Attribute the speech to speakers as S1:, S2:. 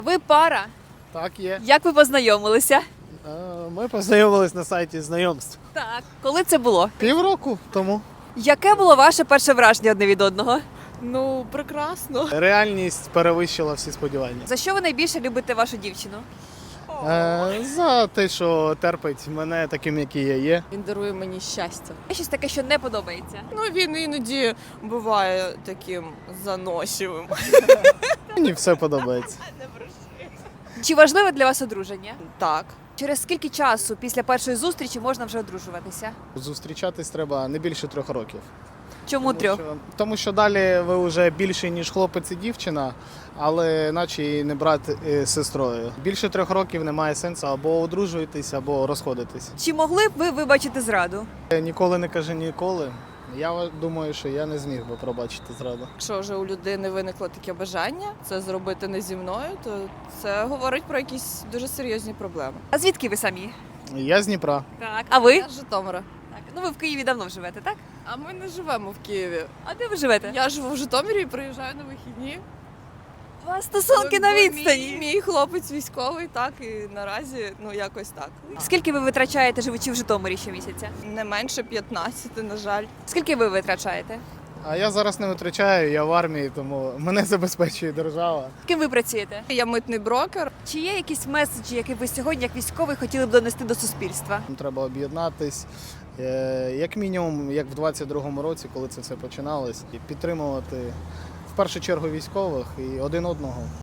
S1: Ви пара.
S2: Так, є.
S1: Як ви познайомилися?
S2: Ми познайомились на сайті знайомств.
S1: Так. Коли це було?
S2: Півроку тому.
S1: Яке було ваше перше враження одне від одного?
S3: Ну, прекрасно.
S2: Реальність перевищила всі сподівання.
S1: За що ви найбільше любите вашу дівчину?
S2: За те, що терпить мене таким, який я є.
S3: Він дарує мені щастя.
S1: Є щось таке, що не подобається.
S3: Ну, він іноді буває таким заносчивим.
S2: Мені все подобається.
S1: Чи важливе для вас одруження?
S3: Так.
S1: Через скільки часу після першої зустрічі можна вже одружуватися?
S2: Зустрічатись треба не більше 3 років.
S1: Чому трьох?
S2: Тому що далі ви вже більше, ніж хлопець і дівчина, але наче і не брат з сестрою. Більше 3 років немає сенсу або одружуєтесь, або розходитесь.
S1: Чи могли б ви вибачити зраду?
S2: Ніколи не кажи ніколи. Я думаю, що я не зміг би пробачити зраду.
S3: Якщо вже у людини виникло таке бажання це зробити не зі мною, то це говорить про якісь дуже серйозні проблеми.
S1: А звідки ви самі?
S2: Я з Дніпра.
S1: Так. А ви?
S3: Я з Житомира.
S1: Так. Ну ви в Києві давно живете, так?
S3: А ми не живемо в Києві.
S1: А де ви живете?
S3: Я живу в Житомирі і приїжджаю на вихідні.
S1: У вас стосунки на
S3: Бо
S1: відстані.
S3: Мій хлопець військовий, так, і наразі, ну, якось так.
S1: Скільки ви витрачаєте, живучи в Житомирі щомісяця?
S3: Не менше 15, на жаль.
S1: Скільки ви витрачаєте?
S2: А я зараз не витрачаю, я в армії, тому мене забезпечує держава.
S1: Ким ви працюєте?
S3: Я митний брокер.
S1: Чи є якісь меседжі, які ви сьогодні, як військовий, хотіли б донести до суспільства?
S2: Треба об'єднатись, як мінімум, як в 22-му році, коли це все починалось, і підтримувати в першу чергу військових і один одного.